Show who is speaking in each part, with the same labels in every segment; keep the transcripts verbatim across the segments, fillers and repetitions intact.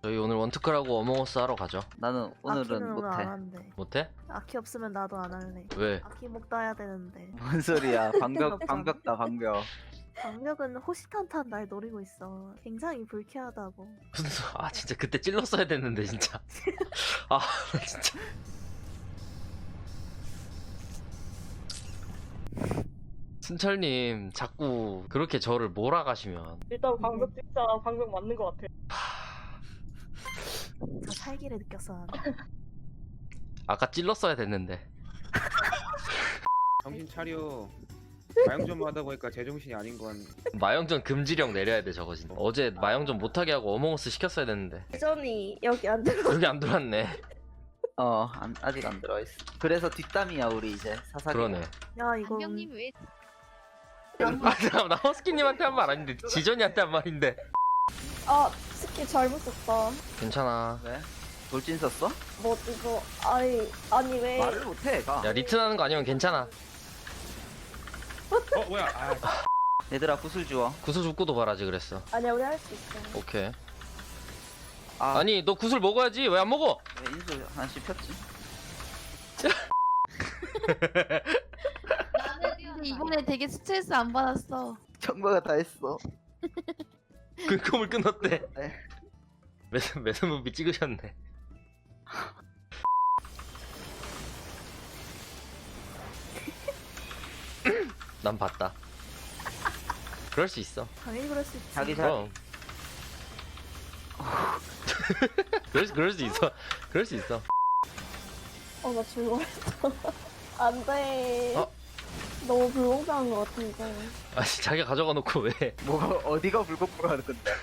Speaker 1: 저희 오늘 원투크라고 어몽어스 하러 가죠.
Speaker 2: 나는 오늘은
Speaker 3: 아키는 오늘
Speaker 2: 못해.
Speaker 3: 안 한대.
Speaker 1: 못해?
Speaker 3: 아키 없으면 나도 안 할래.
Speaker 1: 왜?
Speaker 3: 아키 목 따야 되는데.
Speaker 2: 뭔 소리야? 방벽
Speaker 3: 없잖아.
Speaker 2: 방벽다 방벽.
Speaker 3: 방력은 호시탄탄 날 노리고 있어. 굉장히 불쾌하다고.
Speaker 1: 무슨 소... 아 진짜 그때 찔렀어야 됐는데 진짜. 아 진짜. 순철님 자꾸 그렇게 저를 몰아가시면
Speaker 4: 일단 방벽 진짜 방벽 맞는 것 같아.
Speaker 3: 저 살기를 느꼈어 나는.
Speaker 1: 아까 찔렀어야 됐는데.
Speaker 5: 정신 차려. 마영전 하다 보니까 제정신이 아닌 건.
Speaker 1: 마영전 금지령 내려야 돼 저거 진짜. 어제 마영전 못하게 하고 어몽어스 시켰어야 됐는데.
Speaker 4: 예전이 여기 안 들어.
Speaker 1: 여기 안 들어왔네.
Speaker 2: 어 안, 아직 안 들어 있어. 그래서 뒷담이야 우리 이제 사사기.
Speaker 1: 그러네.
Speaker 3: 야 이거
Speaker 6: 안경님 왜
Speaker 1: 아 잠깐만 나 허스키님한테 한 말 아닌데 지전이한테 한 말인데.
Speaker 4: 아 스킬 잘못 썼다.
Speaker 1: 괜찮아.
Speaker 2: 왜? 돌진 썼어?
Speaker 4: 뭐 이거 아니 아니 왜?
Speaker 2: 말을 못해 가.
Speaker 1: 야 리튼하는 거 아니면 괜찮아.
Speaker 5: 어 뭐야? 아,
Speaker 2: 얘들아 구슬 주워.
Speaker 1: 구슬 죽고도 바라지 그랬어.
Speaker 4: 아니야 우리 할 수 있어.
Speaker 1: 오케이.
Speaker 2: 아
Speaker 1: 아니 너 구슬 먹어야지 왜 안 먹어?
Speaker 2: 왜 인수 하나씩 폈지?
Speaker 6: 근데 이번에 되게 스트레스 안 받았어.
Speaker 2: 정보가 다 했어.
Speaker 1: 그 꿈을 끊었대.
Speaker 2: 네.
Speaker 1: 매듭 매듭 무비 찍으셨네. 난 봤다. 그럴 수 있어.
Speaker 3: 당연히 그럴 수 있지.
Speaker 2: 자기 자
Speaker 1: 그럼. 그럴, 수- 그럴 수 있어. 그럴 수 있어.
Speaker 4: 어나 죽어했어. 안돼.
Speaker 1: 어?
Speaker 4: 너무 불공평한 것 같은데.
Speaker 1: 아니 자기가 가져가 놓고 왜?
Speaker 2: 뭐가 어디가 불공평하는 건데?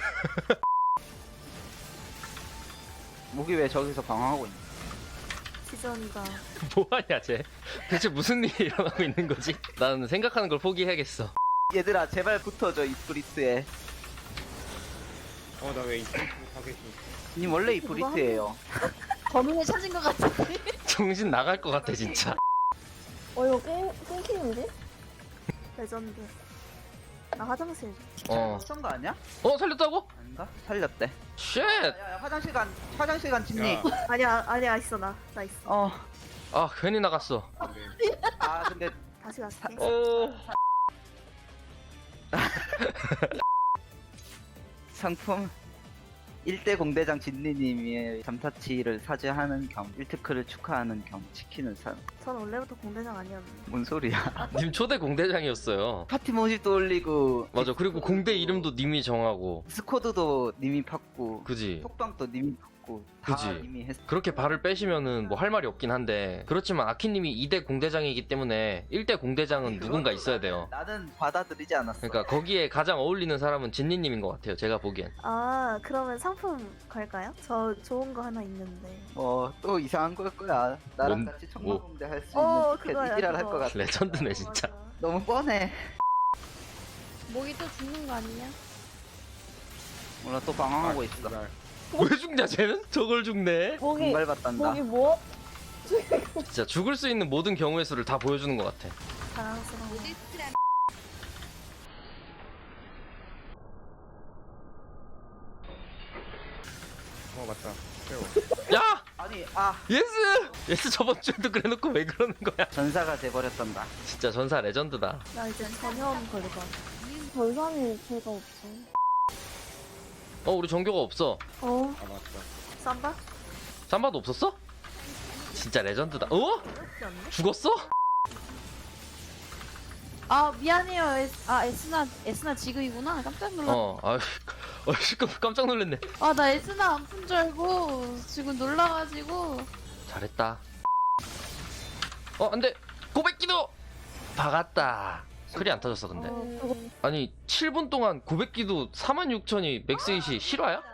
Speaker 2: 목이 왜 저기서 방황하고 있냐?
Speaker 3: 지전이가
Speaker 1: 뭐하냐 쟤? 대체 무슨 일이 일어나고 있는 거지? 나는 생각하는 걸 포기해야겠어.
Speaker 2: 얘들아 제발 붙어줘 이 브리트에.
Speaker 5: 어 나 왜 이쪽 하겠지?
Speaker 2: 님 원래 이 브리트예요.
Speaker 6: 범인을 찾은 것 같은데.
Speaker 1: 정신 나갈 것 같아 진짜.
Speaker 4: 어 이거 끊 끊기는데?
Speaker 3: 레전드. 나 화장실.
Speaker 1: 어.
Speaker 2: 쏜 거 아니야?
Speaker 1: 어 살렸다고?
Speaker 2: 아닌가? 살렸대.
Speaker 1: 쉣.
Speaker 2: 야야 화장실 간 화장실 간 진니.
Speaker 5: 야,
Speaker 3: 아니야 아니야 있어 나 나 있어.
Speaker 2: 어.
Speaker 1: 아 괜히 나갔어.
Speaker 5: 근데
Speaker 2: 아 근데
Speaker 3: 다시 갈게.
Speaker 1: 어.
Speaker 2: 상품 일 대 공대장 진리님이 잠타치를 사죄하는 겸 일 특크를 축하하는 겸 치킨을 사.
Speaker 3: 전 원래부터 공대장 아니었는데.
Speaker 2: 뭔 소리야?
Speaker 1: 님 초대 공대장이었어요.
Speaker 2: 파티 모집도 올리고
Speaker 1: 맞아. 그리고 공대 이름도 님이 정하고.
Speaker 2: 스쿼드도 님이 팠고
Speaker 1: 그지.
Speaker 2: 톡방도 님이 팠고 다
Speaker 1: 그지.
Speaker 2: 님이 했어.
Speaker 1: 그렇게 발을 빼시면은 뭐 할 말이 없긴 한데 그렇지만 아키님이 이 대 공대장이기 때문에 일 대 공대장은 누군가 있어야 돼요.
Speaker 2: 나는 받아들이지 않았어.
Speaker 1: 그러니까 거기에 가장 어울리는 사람은 진니님인 것 같아요. 제가 보기엔.
Speaker 3: 아 그러면 상품 갈까요? 저 좋은 거 하나 있는데.
Speaker 2: 뭐또 이상한 걸 거야. 나랑
Speaker 1: 뭔-
Speaker 2: 같이
Speaker 1: 뭐.
Speaker 2: 청마공대 할 수
Speaker 3: 어
Speaker 2: 있는
Speaker 3: 그거야.
Speaker 2: 티켓 일할
Speaker 3: 그거.
Speaker 2: 것 같아.
Speaker 1: 레전드네 진짜.
Speaker 3: 맞아.
Speaker 2: 너무 뻔해.
Speaker 6: 목이 또 죽는 거 아니냐?
Speaker 2: 몰라 또 방황하고 있어.
Speaker 5: 정말.
Speaker 1: 왜 죽냐 쟤는? 저걸 죽네.
Speaker 4: 목이
Speaker 2: 공갈받단다.
Speaker 4: 목이 뭐?
Speaker 1: 진짜 죽을 수 있는 모든 경우의 수를 다 보여주는 것 같아.
Speaker 3: 자랑스러워.
Speaker 6: 모디스트라
Speaker 5: 어 맞다. 세워.
Speaker 1: 야!
Speaker 2: 아니 아
Speaker 1: 예스! 예스 저번 주에도 그래놓고 왜 그러는 거야?
Speaker 2: 전사가 돼버렸단다.
Speaker 1: 진짜 전사 레전드다.
Speaker 3: 나 이제 전염 걸릴 것 같아.
Speaker 4: 전산이 제가 없어.
Speaker 1: 어 우리 전교가 없어.
Speaker 4: 어
Speaker 5: 아 맞다.
Speaker 3: 쌈바?
Speaker 1: 삼바도 없었어? 진짜 레전드다. 어?
Speaker 3: 그렇지 않나?
Speaker 1: 죽었어?
Speaker 6: 아 미안해요. 에스, 아 에스나 에스나 지금이구나. 깜짝 놀랐.
Speaker 1: 어, 아유, 어, 시끄러 깜짝 놀랐네.
Speaker 6: 아 나 에스나 안 푼 줄 알고 지금 놀라가지고.
Speaker 1: 잘했다. 어, 안돼. 고백기도 박았다. 크리 안 터졌어 근데.
Speaker 4: 어, 그거
Speaker 1: 아니 칠 분 동안 고백기도 사만 육천이 맥스잇이 실화야?